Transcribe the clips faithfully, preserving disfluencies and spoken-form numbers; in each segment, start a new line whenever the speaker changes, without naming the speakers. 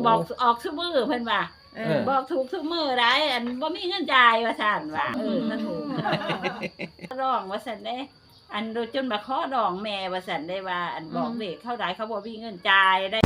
บอกออกซุมื้อเพิ่นว่า
เออ
บอกถูกซุมื้อได้อันบ่มีเงินจ่ายว่าซั่นว่าเออถ้าถูกร้องว่าซั่นเด้อันโดยจนมาขอดองแม่ว่าซั่นได้ว่า อันบอกเลขเขาได้เขาบ่มีเงินจ่ายได้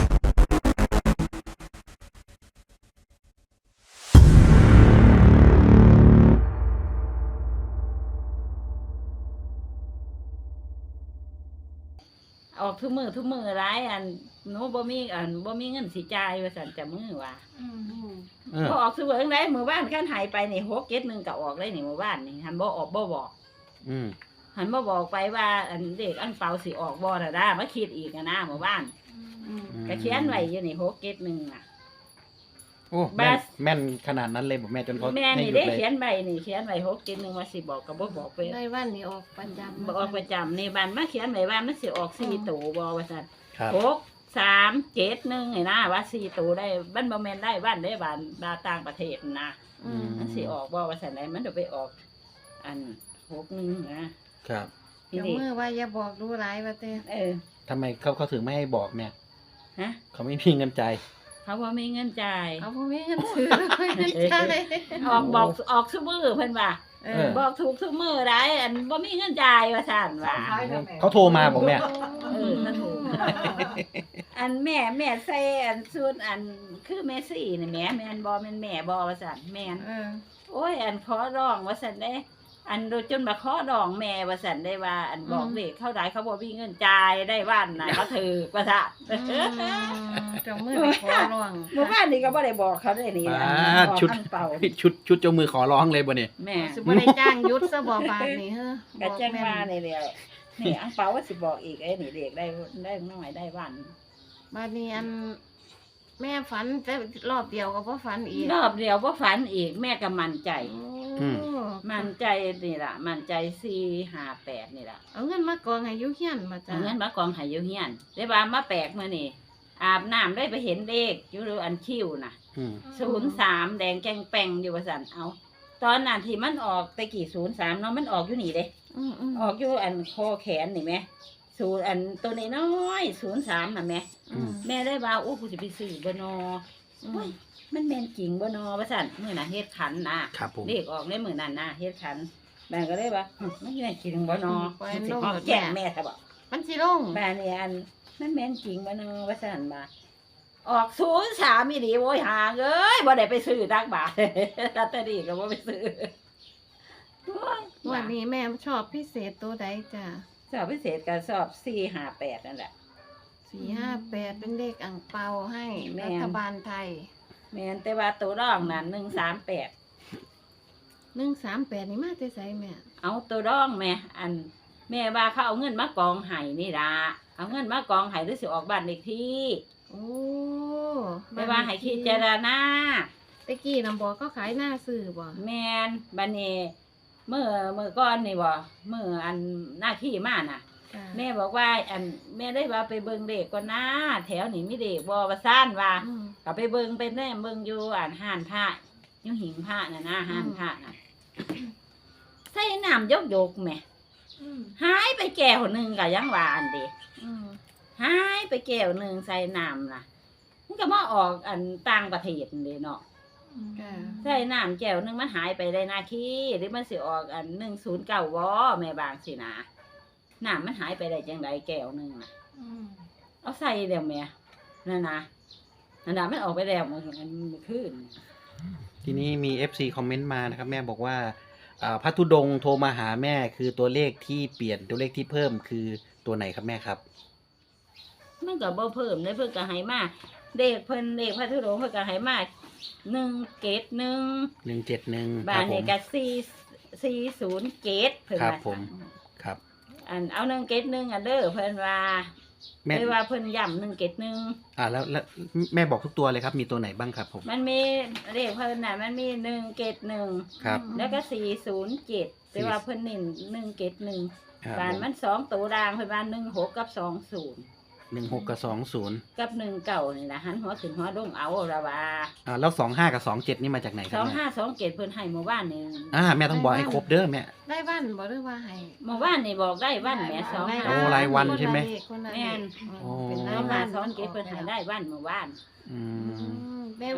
ออกทุกมือทุกมือร้ายอันหนูบ่มีอันบ่มีเงินสิจ่ายว่าซั่นจะมือว่า
เออ
พอออกซุมื้อจังได๋มื้อบ้านคันหายไปนี่หก เจ็ด หนึ่งก็ออกเลยนี่มื้อบ้านนี่หันบ่ออกบ่บอก
อืม
หันบ่บอกไปว่าอันเด็กอันเปาสิออกบ่ล่ะด้ามาคิดอีกอะนะมื้อบ้านก็เขียนไว้อยู่นี่หก เจ็ด หนึ่งน่ะ
โอ้แม่นแม่นขนาดนั้นเลยบอกแม่จนเขา
แม่
ให้
นี่
หยุด
ได้
เลย
เขียนใบนี่เขียนไว้หก เจ็ด หนึ่งว่าสิบอกก็บ่บอกไป
ได้วันนี้ออกประจำ
บ่ออกประจำนี่บ้านมาเขียนไว้ว่ามันสิออกสี่ตัวบ่ว่าซั่น
ครับ
หก สาม เจ็ด หนึ่งนี่นะว่าสี่ตัวได้มันบ่แม่นได้บ้านได้บ้านบาต่างประเทศนะ
อืม
มันสิออกบ่ว่าซั่นได้มันจะไปออก อันหก หนึ่งนะครับ ที
เดี๋ยว
นี้
มือว่าอย่าบอกรู้หลายว่าเต้
เออ
ทำไมเขาเขาถึงไม่ให้บอกแม่
ฮะ
เขาไม่มีเงินใจาย
เขาบ่มีเงินจ่าย
เอาพ่อแม่เงินซื้อไม่เงินใช่
ออกบอกออกซุมื้อเพิ่นว่า
เอ
เอ
อ
อ
บอกถูกซุมื้อได้อันบ่มีเงินจ่ายว่าซั่นว่า
เขาโทรมาบอกแม่
เออถ้าถูกอันแม่แม่ใส่อันชุดอันคือแม่ซี่นี่แม่แม่นบ่แม่นแม่บ่ว่าซั่นแม่น
เออ
โอ้ยอันขอร้องว่าซั่นเด้อันโดยจนมาขอดองแม่ว่าซั่นได้ว่า อันบอกเลขเขาได้เขาบ่มีเงินจ่ายได้วันน่ะเขาถือว่าซั่น
อืมเจ้ามือไปขอร้อง
เมื่อวานนี้ก็บ่ได้บอกเขาได้นี่
อ่า
อันบอก
ชุด
อันเป่า
ชุดชุดเจ้ามือขอร้องเลยบ่เนี่ย
แม่
สิบ่ได้จ้างยุทธซะบ่บาทนี่เฮ้อ
ก็แจ้งว่านี่แหละนี่อังเปาว่าสิบอกอีกไอ้นี่เลขได้ได้น้อยได้วัน
บาดนี้อันแม่ฝันแต่รอบเดียวก็บ่ฝันอีก
รอบเดียวบ่ฝันอีกแม่ก็มั่นใจ
โอ้
มั่นใจนี่ล่ะมั่นใจสี่ ห้า แปดนี่ล่ะ
เอาเงินมากองให้อยู่เฮียนมาจ้ะ
เอาเงินมากองให้อยู่เฮียนได้ว่ามาแปลกมื้อนี่อาบน้ำได้ไปเห็นเลขอยู่อันคิ้วน่ะ
อืม
ศูนย์สามแดงแกงแป้งอยู่ว่าซั่นเอาตอนนั้นที่มันออกตะกี้ศูนย์สามเนาะมันออกอยู่นี่เด้
อืมอืม
ออกอยู่อันคอแขนนี่แม่ศูนย์อันตัวนี้น้อยศูนย์สามน่ะแม่
อืม
แม่ได้ว่าโอ้กูจะไปซื้อบ่นอ
อื
โอ้
ม
ยมันแม่นจริงบ่นอว่าซั่นมื้อน่ะเฮ็ดขันนะครับ
ผม
เลขออกในมื้อนั้นน่ะเฮ็ดขันแม่ก็เลยว่าหึมันแม่นจริงบ่นอ
ปล่อย
มันสิ
ลง
ออก
รถ
แจ้ง
แม่
แม่ซะบ่
มันสิลง
แม่นี่อันมันแม่นจริงบ่นอว่าซั่นมาออกศูนย์สามอีหลีโว้ยหาเอ้ยบ่ได้ไปซื้อตักบาท ลอตเตอรี่ก็บ่ไปซื้อโอ้ย
วันนี้แม่ชอบพิเศษตัวใดจ้ะ
สอบพิเศษก็สอบสี่ ห้า แปดนั่นแหละ
สี่ห้าแปดเป็นเลขอ่างเปาให้
แม่
รัฐบาลไทย
แม่นแต่ว่าตัวรองนั่นหนึ่งสามแปด
หนึ่งสามแปดนี่มาแต่ไสแม่
เอาตัวรองแม่อัน แม่ว่าเขาเอาเงินมากองไห้นี่ล่ะเอาเงินมากองไห้หรือสิออกบ้านเลขที่
โอ้
แต่ว่าให้คิดเจารณา
ตะกี้นำบอกก็ขายหน้าซื้อบ่
แม่นบัดนี้เมื่อเมื่อก่อนนี่บ่เมื่ออันหน้าที่มาน่ะ
จ้ะ
แม่บอกว่า อันแม่ได้ว่าไปเบิ่งเด็กก่อนนะแถวนี้มีเด็กบ่ว่าซ่านว่า
อืม
ก็ไปเบิ่งไปแน่เบิ่งอยู่อ่านห้านผ้าอยู่หิงผ้าน่ะนะห้านผ้าน่ะใส่น้ำยกยกๆแหม่
อืม
หายไปแก้วหนึงก็ยังว่าอันเดี
อืม
หายไปแก้วหนึงใส่น้ำน่ะมันก็มาออกอันต่างประเทศนี่เนาะ
จ้ะ
ใส่น้ำแก้วหนึงมันหายไปได้นาคีหรือมันสิออกอันหนึ่งศูนย์เก้าบ่แม่บางสินะน้ำมันหายไปได้จังไดแก้วหนึงน่ะ
อืม
เอาใส่เดี๋ยวแม่นั่นนะนั่นน่ะมันออกไปแล้วมันมันขึ้น
ทีนี้มี เอฟ ซี คอมเมนต์มานะครับ แม่บอกว่าอ่าพระธุดงค์โทรมาหาแม่คือตัวเลขที่เปลี่ยนตัวเลขที่เพิ่มคือตัวไหนครับแม่ครับ
มันก็บ่เพิ่มเลยเพิ่นก็ให้มาเด็กเพิ่นเด็กพระธุดงค์เพิ่นก็ให้มาหนึ่งเกตหนึ่ง
หนึ่งเจ็ดหนึ่งค
บ้า
รั
น
บผ
นี่
ม
ก็สี่สี่ศูนย์เกตเพิ่น
ครับ
ว่า
ผม ครับ
อันเอาหนึ่งเกตหนึ่งอันเด้อเพิ่นว่า
แม่
เพิ่นว่าเพิ่นย้ำหนึ่งเกตหนึ่ง
อ่าแล้วแล้วแม่บอกทุกตัวเลยครับมีตัวไหนบ้างครับผม
มันมีเลขเพิ่นน่ะมันมีหนึ่งเกตหนึ่ง
ครับ
แล้วก็สี่ศูนย์เจ็ดแต่ว่าเพิ่นนี่หนึ่งเกตหนึ่ง
ครับ
บ้าน
ผม
มันสองตัวรางเพิ่นว่าหนึ่งหกกับสองศูนย์
หนึ่งหกกับสองศูนย์
กับหนึ่งเก่านี่นะหันหัวขึ้นหัวลงเอาละว่า
อ่าแล้วสองห้ากับสองเจ็ดนี่มาจากไหนค
ส
รั
อบ ง
แม่
ห้าสองเกตเพิ่นให้เมื่อวานนี่
อ่าแม่ต้องบอกให้ครบเด้อแม่
ได้วันบ่หรือว่าให้
เมื่อวานนี่บอกได้วันแหม่สอง
ได้
ห้า
โอ้รายวันใช่ไหม
คนละเลขคนละเลข
แม่น
อืม
โอ้
เป็น
ส
รา
อย ง
วั
ห้าน สองเกตเพิ่นให้ได้วันเมื่อวาน
อื
อื
ม
ม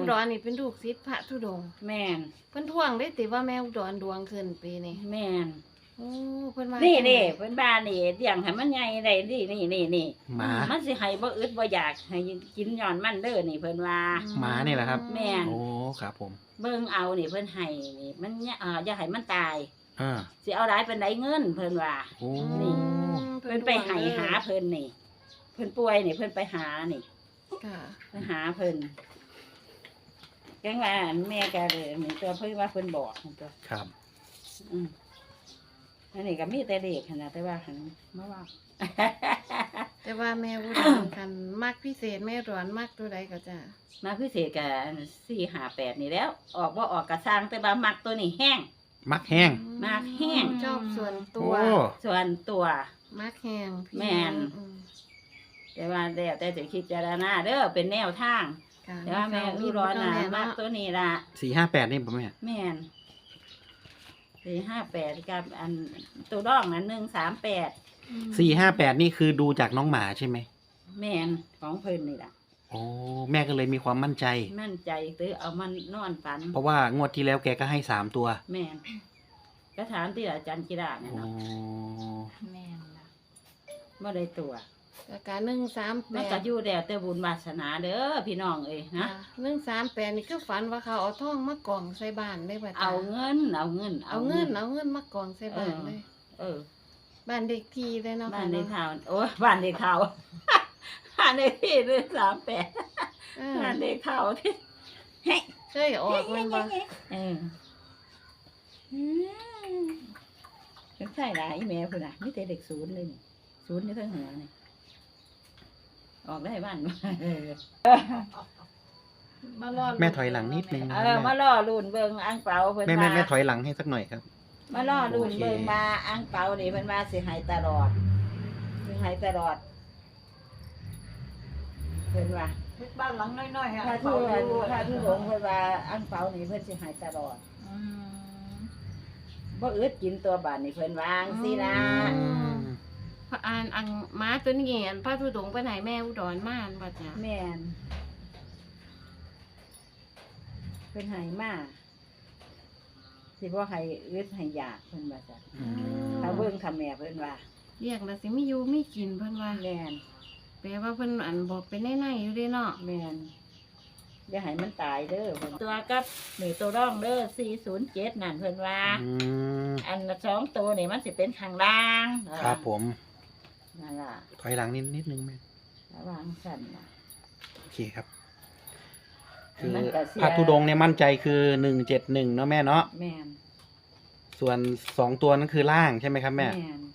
อุดรนี่เป็นลูกศิษย์พระธุดงค์
แม่น
เพิ่นท่วงได้ติว่าแม่อุดรดวงขึ้นปีนี้
แม่น
โอ้เพิ่นว่า
นี่
จังใด
นี่เพิ่นบ้านนี่เลี้ยงให้มันใหญ่ได้นี่นี่นี่นี่
หมา
มันสิให้บ่อึดบ่อยากให้กินย้อนมันเด้อนี่เพิ่นว่า
หมานี่แหละครับ
แม่น
โอ้ครับผม
เบิ่งเอานี่เพิ่นให้นี่มันเนี่ยเอ่ออย่าให้มันตาย
อ่า
สิเอาหลายปานใดเงินเพิ่นว่า
โอ้
นี่
อืม
เพิ่นไปให้หาเพิ่นนี่ เพิ่นป่วยนี่เพิ่นไปหานี่
ค่ะ
ไปหาเพิ่นจังว่าแม่ก็เลยนี่ตัวเพิ่นว่าเพิ่นบอกนั่นตัว
ครับ
อืมอันนี้ก็มีแต่เด็กหั่นน่ะแต่ว่าหันมาว่า
แต่ว่าแม่อุดรคันมักพิเศษแม่อุดรมักตัวใดก็จ้ะ
มาพิเศษกับสี่ห้าแปดนี่แล้ว ออกว่าออกกระสร้างแต่ว่ามักตัวนี้แห้ง
มักแห้ง
มากแห้ง
ชอบส่วนตั
โอ้
ว
ส่วนตัว
มักแห้งพี่
แม่น
อืม
แต่ว่าแล้วแต่จะคิดจารณาเด้อเป็นแนวทาง
ค่ะ
แต่ว่าแม่อุร้อนนะมักตัวนี้ละ
สี่ห้าแปดนี่ผมแม่
แม่นสี่ห้าแปดกับอันตัวร่องนั้นหนึ่งสามแปด
สี่ห้าแปดนี่คือดูจากน้องหมาใช่ไหม
แม่นของเพิ่นนี่ละ
โอ้แม่ก็เลยมีความมั่นใจ
มั่นใจตื้อเอามันนอนฝัน
เพราะว่างวดที่แล้วแกก็ให้สามตัว
แม่นก็ถามที่อาจารย์กีฬาเนี่ย
โอ้
เนาะ
แม่นล่ะ
เมื่อได้ตัว
ก็การหนึ่งสามแป
มัน
ด
ก็อยู่แล้วแต่บุญวาสนาเด้อพี่น้องเอ้ยนะ
หนึ่งสามแปดนี่คือฝันว่าเขาเอาทองมากองใส่บ้านได้ป่ะจ๊ะ
เอาเงิน เอาเงิน
เอาเงินเอาเงินมากองใส่บ้านเลย
เออ
บ้านเด็กทีเลยเนาะ
บ้านใน
ค่ะ
ข่าวโอ้ยบ้านในข่าว บ้านในที่เรื่องสามแปด
เออ
บ้านในข่าวที่เฮ้ย
เคยออกมันบ่
เออเป็นใช่หลายอีเมลคุณน่ะนี่แต่เด็กศูนย์เลยนี่ศูนย์นี่ทั้งหัวนี่ออกได้บ้านบ่เออ
มารอด
แม่ถอยหลังนิดนึงนะ
เอ
ค
อ
รับ
มา
แม่
ล่อลุ่นเบิงอังเปาเพิ่น
แม่แม่
ว่า
แม่ถอยหลังให้สักหน่อยครับ
มาล่อลุ่น
โอเค
เบิงมาอังเปานี่เพิ่นว่าสิให้ตลอดสิให้ตลอดเพิ่นว่า
บ้านหลังน้อยๆฮะ
ถ้าทุกถ้าทุกหลงเพิ่นว่าอังเปานี่เพิ่นสิให้ตลอด
อืม
บ่อึดกินตัวบาดนี่เพิ่นวาจั่งสินะ
อืม
พระอ่านอังม้าตัวนี้อันพระธุดงค์ไปไหนแม่อุดรมาอันบ่จ้ะ
แม่นเพิ่นให้มาสิบ่ให้อึดให้อยากเพิ่นว่าจ้ะ
อืม
ถ้าเบิ่งถ้าแม่เพิ่นว่า
เรียกแล้วสิไม่อยู่ไม่กินเพิ่นว่า
แม่น
แปลว่าเพิ่นอันบอกไปในๆอยู่เด้เนาะ
แม่นอย่าให้มันตายเด้อเพิ่นตัวกับหรือตัวร่องเด้อสี่ศูนย์เจ็ดนั่นเพิ่นว่า
อืม
อันละสองตัวนี่มันสิเป็นข้างล่าง
ครับผม
นั่นล่ะ
ถอยหลังนิดนิดนึงแม่
ระวังสั่นน่ะ
โอเคครับ คือ
มันก็เสีย
พระธุดงค์เนี่ยมั่นใจคือหนึ่งเจ็ดหนึ่งเนาะแม่เนาะ
แม่น
ส่วนสองตัวนั้นคือล่างใช่ไหมครับแม่
น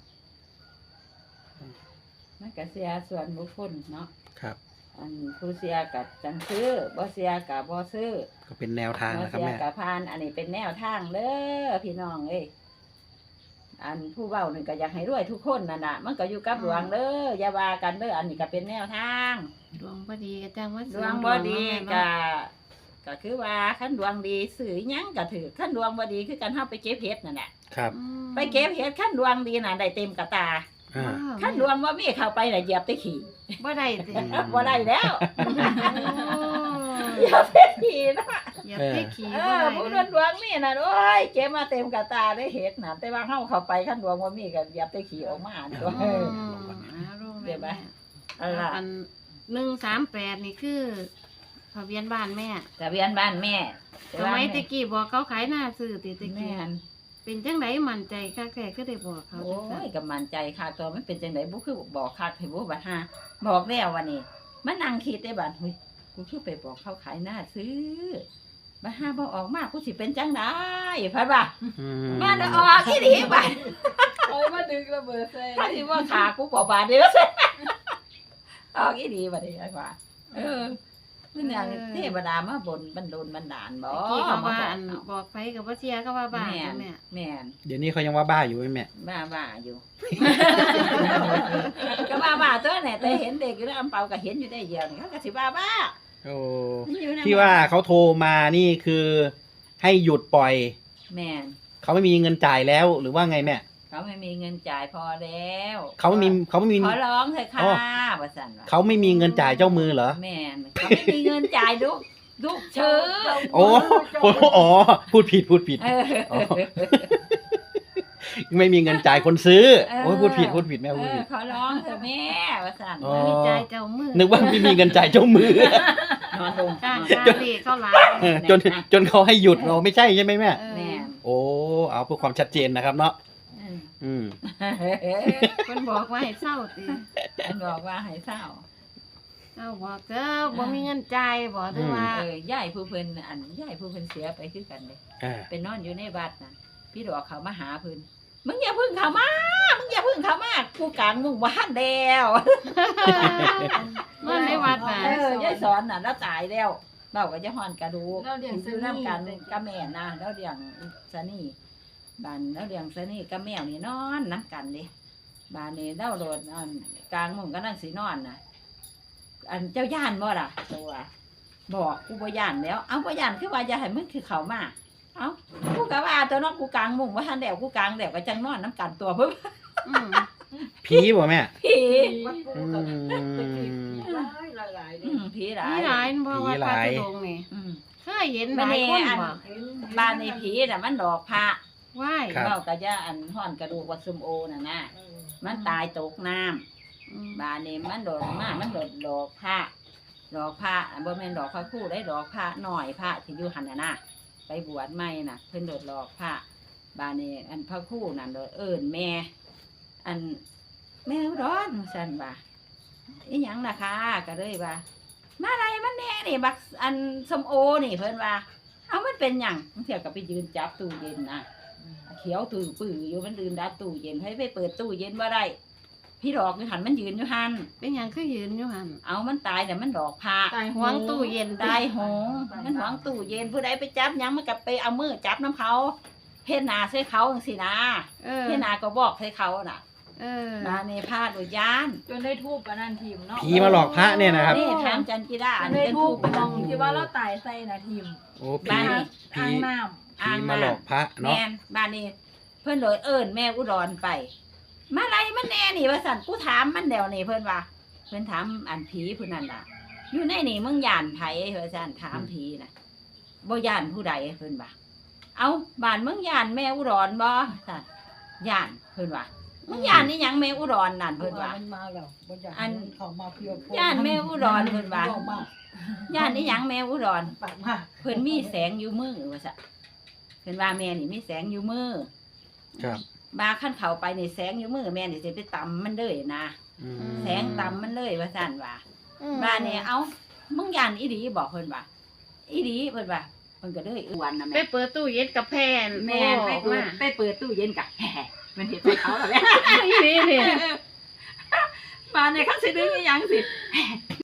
มันก็เสียส่วนบุคคลเนาะ
ครับ
อันผู้เสียกับจังซื้อบ่เสียกับบ่ซื้อ
ก็เป็นแนวทาง
บ่
นะครับ
เสีย
แม่
กับพาน อันนี้เป็นแนวทางเด้อพี่น้องเอ้ยอันผู้เว้านี่ก็อยากให้รวยทุกคนนั่นน่ะมันก็อยู่กับดวงเด้ออย่าว่ากันเด้ออันนี้ก็เป็นแนวทาง
ดวงบ่ดีก็จังว่า
ด
เสริ
ว
ม
งบ่ดี
เนาะ
ก็ก็คือว่าคันดวงดีสื่อหยังก็ถือคันดวงบ่ดีคือกันเฮาไปเก็บเห็ดนั่นแหละ
ครับ
อืม
ไปเก็บเห็ดคันดวงดีน่ะได้เต็มกระตา
อ่า
ว้าว
คันดวงบ่มีเข้าไปน่ะเหยียบแต่ขี้
บ่ได้ติ
บ่ได้แล้ว
โอ้
เหยียบแต่ขี้นะ
อย่าไปขี่
เอ
บ่
อ
ได้
ผู้
เล
ดวย งดวงมีน่ะโอ้ยเก็บมาเต็มกระตาได้เห็ดน่ะแต่ว่าเฮาเข้าไปคันดวงบ่มีก็เหยียบแต่ขี้ออกมาตัว
อื
เออ
มอ่ารู้
เดี๋ยวไหม
แม่
เอาล่ะ
อันหนึ่งสามแปดนี่คือทะเบียนบ้านแม่
ทะเบียนบ้านแม่
สมัยตะกี้บอกเขาขายหน้าซื้อติตะ
แม่
กี้
น
เป็นจังไดมั่นใจคักแท้ก็ได้บอกเขา
โอ้
จังซั่น
ยกำมันใจค่ะตัวมันเป็นจังไดบุคือบอกคักให้บุบัดหาบอกแล้ววันนี้มันนั่งคิดได้บัดเฮ้ยกูคือไปบอกเขาขายหน้าซื้อบัดหาบ่ออกมากูสิเป็นจังไดพัดว่า
อืม
มาเด้อออกอีหลีบัด
เอามาดึงระเบิดใส่
ถ้าสิว่าขากูบ่บาดเด้อออกอีหลีบัดนี้ว่าเออมันอย่างเทวดามาบนบันดลบันดาลบ่
ตะกี้เขาว่า
มา
อัน
บ
บอกไปกับว่าเชียก็ว่าบ้า
แม่น
แม่
แม่น
เดี๋ยวนี้เขายังว่าบ้าอยู่ไหมแม่
บ้าบ้าอยู่ ก็บ้าบ้าตัวเนี่ยแต่เห็นเด็กอยู่แล้วอำเปาก็เห็นอยู่ได้เดียวนี่เขาก็สิบ้าบ้า
โอ้
อยู่ใน
ที่ว่าเขาโทรมานี่คือให้หยุดปล่อย
แม่น
เขาไม่มีเงินจ่ายแล้วหรือว่าไงแม่
เขาไม่มีเงินจ่ายพอแล้ว
เขาไม่มีเขาไม่มี
ขอร้องเถอะค่ะ
อ๋อ
ว่าสั่นว่า
เขาไม่มีเงินจ่ายเจ้ามือเหรอ
แม่นเขาไม่มีเงินจ่ายลูกลูกชื่อ
โอ้โหอ๋อพูดผิดพูดผิด
เออ
อ๋อ ไม่มีเงินจ่ายคนซื้อ
เออ
โอ้ยพูดผิดพูดผิดแม่
เอ
พูด
อ
ผิด
เขาร้องเถอะแม่ว่าสั่น
อ๋อ
มีใจเจ้ามือ
นึกว่าไม่มีเงินจ่ายเจ้ามือ
นอนลง
กล้า
อน
กล้าเรียกเขาหลาย
เออจนจนเขาให้หยุดเราไม่ใช่ใช่ไหมแม่
เออ
แม่
โอ้เอาเพื่อความชัดเจนนะครับเนาะ
เออ
อืม
เพิ่นบอกว่าให้เศร้าติ
มันบอกว่าให้เศร้า
เจ้าบอกเจ้าบ่มีเงินจ่ายบ่หรือว่า
เออยายผู้เพิ่นอันยายผู้เพิ่นเสียไปคือกันเลย
อ่า
ไปนอนอยู่ในวัดน่ะพี่ดอกเขามาหาเพิ่นมึงอย่าเพึ่งเขามามึงอย่าเพึ่งเขามากูกลางมึงบ้านแล้ว
นอนในวัดน่ะ
เออยายสอนน่ะแล้วตายแล้วเบาก็จะห่อนกระดูก
เราเลี้ยง
อยู่น้ำกันกับแม่นะแล้วเลี้ยงสนี่บ้านแล้วเลี้ยงสนี่กับแมวนี่นอนน้ำกันเดิบ้านนี้เล่าโดดอันกลางมุงก็นั่งสีนอนน่ะ อันเจ้าย่านบ่ล่ะตัวบอกกูบ่ย่านแล้ว เอาบ่ย่านคือว่าอย่าให้มึงคือเขามาเอ้ากูก็ว่าตัวน้องกูกลางมุงว่าทันแดวกูกลางแดวก็จังนอนน้ำกันตัวเพิ่น
อืม
ผีบ่แม่
ผี
วัดปู
อื
กับ
ม
หลายหลายๆ
อื
นี่
มผีหลา
มี
ย
หลายบ่วัด
มีห
พระ
ลาย
ธุดงค์นี่
อืม
เคยเห็นหลายคน
อัน
บ่
บ้านในผีน่ะมันดอกพระ
ว่าย
ครับ
เมาก็จะอันห่อนกระดูกวัดซุมโอน่ะนะมันตายตกน้ำ
อืม
บ้านนี้มันโดดมามันโดดดอกพระดอกพระอันบ่แม่นดอกพระคู่ได้ดอกพระหน่อยพระที่อยู่หันน่ะนะไปบวชใหม่น่ะ เพิ่นโดดดอกพระบ้านนี้อันพระคู่นั่นโดดเอิ้นแม่ อันแม่อุดรสั่นว่าอีหยังล่ะคะก็เลยว่ามาอะไรมันแน่นี่บักอันสมโอนี่เพิ่นว่า เอามันเป็นหยังบางเที่ยก็ไปยืนจับตู้เย็นนะเขียวตู้ปื้ออยู่มันยืนดับตู้เย็นให้ไปเปิดตู้เย็นบ่ได้พี่ดอกอยู่หันมันยืนอยู่หัน
เป็นหยังคือยืนอยู่หั่น
เอามันตายแต่มันดอกพระ
ตาย
หวงตู้เย็น
ตายโหงมันหวงตู้เย็นผู้ใดไปจับหยังมันก็ไปเอามือจับน้ำเขาเฮ็ดหนาใส่เขาจังซี่นะ
เออ
เฮ็ดหนาก็บอกใส่เขาน่ะ
เออ
มาในพาดโดยยาน
จนได้ทูบปะนันทีมเนาะ
ผีมาหลอกพระเนี่ยนะครับ
นี่ถามจันกีดา
จ
อัน
นได้
เป็น
ทู
ผู้
บ
เป็น
มองที่ว่าเราตายใส่นะทีม
โอ้ผี
บ้าน
ผี
อ่างน้
ผีมาหลอกพระเนาะ
แม่นบ้านนี้เพิ่นโดยเอิ้นแม่อุดรไป มาไรมันแน่นี่ว่าสั่นกูถามมันเดี๋ยวนี่เพิ่นว่า เพิ่นถามอันผีผู้นั้นล่ะ อยู่ในนี่มึงย่านไผว่าสั่นถามผีน่ะบ่ย่านผู้ใดเพิ่นว่า เอาบ้านมึงย่านแม่อุดรบ่สั่นย่านเพิ่นว่ามึงย่านนี่หยังแม่อุดรนั่น
ำ
เพิ่นว่า
มันมาแล้วบ่อยาก
อัน
ให้เขามาเพียวโพ
ย่านแม่อุดรเพิ่นว่า
บอกมา
ย่านนี่หยังแม่อุดร
ปากมา
เพิ่นมีแสงอยู่มือว่าซะเพิ่นว่าแม่นี่มีแสงอยู่มือ
ครับ
บาขั้นเขาไปนี่แสงอยู่มือแม่นี่สิไปตำมันเลยนะ
อืม
แสงตำมันเลยว่าซั่นว่า
อืม
บ้านนี่เอ้ามึงย่านอีหลีบอกเพิ่นว่าอีหลีเพิ่นว่าเพิ่นก็เลยอ้วนนะ
ไป
แม่
เปิดตู้เย็นกับแพน
แม่ไป
โอ้
เปิด
มา
ไปเปิดตู้เย็นกะแห่มันเห็นใส่เขาแล้วแม่
อีนี่นี่
บ้านนี่เขาสิดึงอีหยังสิ